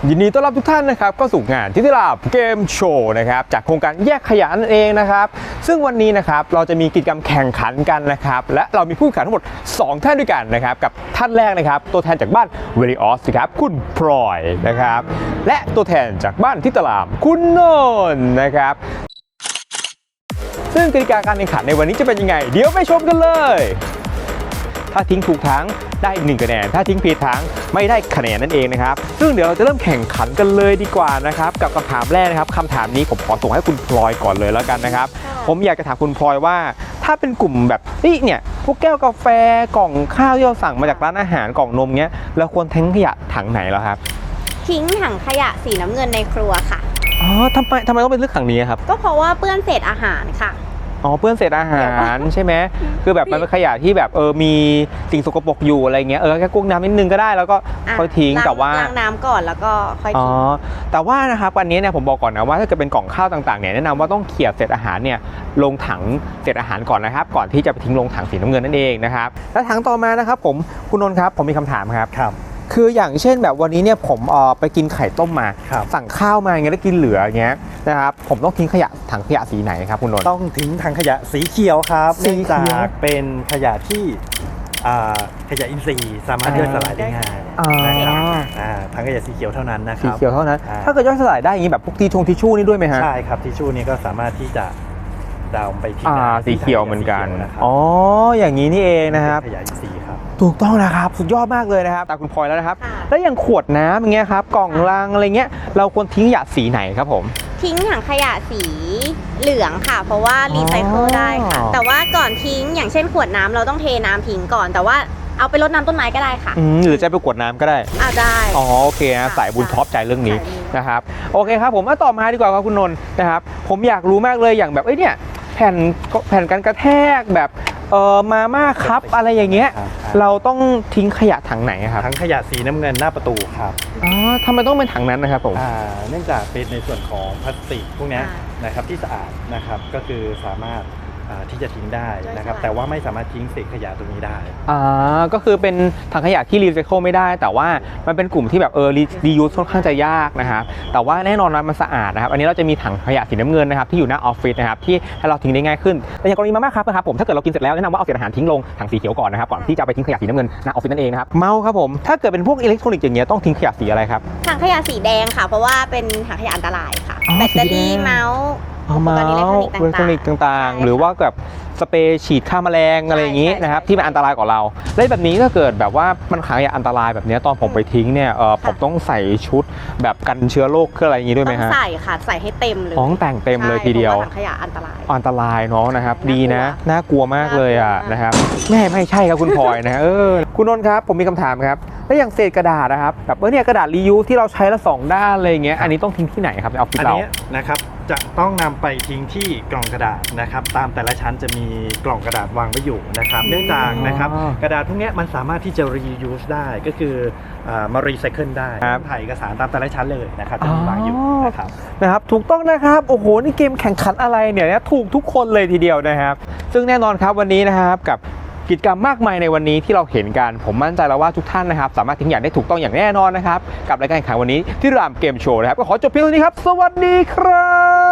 ยินดีต้อนรับทุกท่านนะครับเข้าสู่งานทิติลาบเกมโชว์นะครับจากโครงการแยกขยะนั่นเองนะครับซึ่งวันนี้นะครับเราจะมีกิจกรรมแข่งขันกันนะครับและเรามีผู้แข่งขันทั้งหมด2ท่านด้วยกันนะครับกับท่านแรกนะครับตัวแทนจากบ้านเวลิออสครับคุณพลอยนะครับและตัวแทนจากบ้านทิติลาบคุณนนท์นะครับซึ่งกติกาการแข่งขันในวันนี้จะเป็นยังไงเดี๋ยวไปชมกันเลยถ้าทิ้งถูกทั้งได้อีก1คะแนนถ้าทิ้งผิดทั้งไม่ได้คะแนนนั่นเองนะครับซึ่งเดี๋ยวเราจะเริ่มแข่งขันกันเลยดีกว่านะครับกับคำถามแรกนะครับคำถามนี้ผมขอส่งให้คุณพลอยก่อนเลยแล้วกันนะครับผมอยากจะถามคุณพลอยว่าถ้าเป็นกลุ่มแบบนี่เนี่ยพวกแก้วกาแฟกล่องข้าวที่เราสั่งมาจากร้านอาหารกล่องนมเงี้ยเราควรทิ้งขยะถังไหนแล้วครับทิ้งถังขยะสีน้ำเงินในครัวค่ะอ๋อทำไมต้องเป็นเลือกถังนี้ครับก็เพราะว่าเปื้อนเศษอาหารค่ะอ๋อเปื้อนเศษอาหารใช่ไหมคือแบบมันเป็นขยะที่แบบมีสิ่งสกปรกอยู่อะไรเงี้ยแค่กุ้งน้ำนิดนึงก็ได้แล้วก็ค่อยทิ้งแต่ว่าล้างน้ำก่อนแล้วก็ค่อยทิ้งแต่ว่านะครับวันนี้เนี่ยผมบอกก่อนนะว่าถ้าเกิดเป็นกล่องข้าวต่างๆเนี่ยแนะนำว่าต้องเขี่ยเศษอาหารเนี่ยลงถังเศษอาหารก่อนนะครับก่อนที่จะไปทิ้งลงถังสีน้ำเงินนั่นเองนะครับแล้วถังต่อมานะครับผมคุณนนท์ครับผมมีคำถามครับคืออย่างเช่นแบบวันนี้เนี่ยผมไปกินไข่ต้มมาสั่งข้าวมาอย่างเงี้ยแล้วกินเหลืออย่างเงี้ยนะครับผมต้องทิ้งถังขยะสีไหนครับคุณนนท์ต้องทิ้งถังขยะสีเขียวครับเนื่องจากเป็นขยะที่ขยะอินทรีย์สามารถย่อยสลายได้ง่ายนะครับถังขยะสีเขียวเท่านั้นนะครับสีเขียวเท่านั้นถ้าเกิดย่อยสลายได้อย่างนี้แบบพวกทิชชู่นี่ด้วยไหมฮะใช่ครับทิชชู่นี่ก็สามารถที่จะดาวไปทิ้งสีเขียวเหมือนกันอ๋ออย่างนี้นี่เองนะครับขยะอินทรีย์ครับถูกต้องนะครับสุดยอดมากเลยนะครับตามคุณพลอยแล้วนะครับแล้วอย่างขวดน้ำอย่างเงี้ยครับกล่องลังอะไรเงี้ยเราควรทิ้งขยะสีไหนครับผมทิ้งถังขยะสีเหลืองค่ะเพราะว่ารีไซเคิลได้ค่ะแต่ว่าก่อนทิ้งอย่างเช่นขวดน้ำเราต้องเทน้ำทิ้งก่อนแต่ว่าเอาไปรดน้ำต้นไม้ก็ได้ค่ะหรือจะไปกวดน้ำก็ได้ได้อ๋อโอเคนะสายบุญท็อปใจเรื่องนี้นะครับโอเคครับผมมาต่อมาดีกว่าครับคุณนนท์นะครับผมอยากรู้มากเลยอย่างแบบเนี่ยแผ่นกันกระแทกแบบมาม่าครับอะไรอย่างเงี้ยเราต้องทิ้งขยะถังไหนครับถังขยะสีน้ำเงินหน้าประตูครับทำไมต้องเป็นถังนั้นนะครับผมเนื่องจากเป็นในส่วนของพลาสติกพวกนี้นะครับที่สะอาดนะครับก็คือสามารถที่จะทิ้งได้นะครับแต่ว่าไม่สามารถทิ้งเศษขยะตรงนี้ได้ก็คือเป็นถังขยะที่รีไซเคิลไม่ได้แต่ว่ามันเป็นกลุ่มที่แบบรียูสค่อนข้างจะยากนะครับแต่ว่าแน่นอนมันสะอาดนะครับอันนี้เราจะมีถังขยะสีน้ำเงินนะครับที่อยู่หน้าออฟฟิศนะครับที่ให้เราทิ้งได้ง่ายขึ้นแต่อย่างกรณีมาม่าครับนะครับผมถ้าเกิดเรากินเสร็จแล้วแนะนำว่าเอาเศษอาหารทิ้งลงถังสีเขียวก่อนนะครับก่อนที่จะไปทิ้งขยะสีน้ำเงินหน้าออฟฟิศนั่นเองนะครับเมาส์ครับผมถ้าเกิดเป็นพวกอิเล็กทรอนิกส์อย่างเงี้ยต้องทิ้งขยะสีอะไรครับถังขยะสีแดงค่ะเพราะว่าเป็นถังขยะอันตรายค่ะแบตเตอรี่เมาส์อุปกรณ์อิเล็กทรอนิกส์ต่างๆหรือว่าแบบสเปรย์ฉีดฆ่าแมลงอะไรอย่างนี้นะครับที่มันอันตรายกว่าเราและแบบนี้ถ้าเกิดแบบว่ามันขายอันตรายแบบนี้ตอนผมไปทิ้งเนี่ยผมต้องใส่ชุดแบบกันเชื้อโรคเครื่องอะไรอย่างนี้ด้วยไหมฮะต้องใส่ค่ะใส่ให้เต็มเลยต้องแต่งเต็มเลยทีเดียวถังขยะอันตรายเนาะนะครับดีนะน่ากลัวมากเลยนะครับไม่ใช่ครับคุณพลอยนะคุณนนท์ครับผมมีคำถามครับแล้วอย่างเศษกระดาษนะครับแบบเนี่ยกระดาษรียูสที่เราใช้ละ2ด้านอะไรอย่างเงี้ยอันนี้ต้องทิ้งที่ไหนครับในออฟฟิศเราอันนี้นะครับจะต้องนำไปทิ้งที่กล่องกระดาษนะครับตามแต่ละชั้นจะมีกล่องกระดาษวางไว้อยู่นะครับเนื่องจากนะครับกระดาษพวกนี้มันสามารถที่จะ reuse ได้ก็คือมารีไซเคิลได้ถ่ายเอกสารตามแต่ละชั้นเลยนะครับจะมีวางอยู่นะครับถูกต้องนะครับโอ้โหนี่เกมแข่งขันอะไรเนี่ยถูกทุกคนเลยทีเดียวนะครับซึ่งแน่นอนครับวันนี้นะครับกับกิจกรรมมากมายในวันนี้ที่เราเห็นกันผมมั่นใจแล้วว่าทุกท่านนะครับสามารถทิ้งอย่างได้ถูกต้องอย่างแน่นอนนะครับกับรายการแข่งขันวันนี้ที่รามเกมโชว์นะครับก็ขอจบเพียงเท่านี้ครับสวัสดีครับ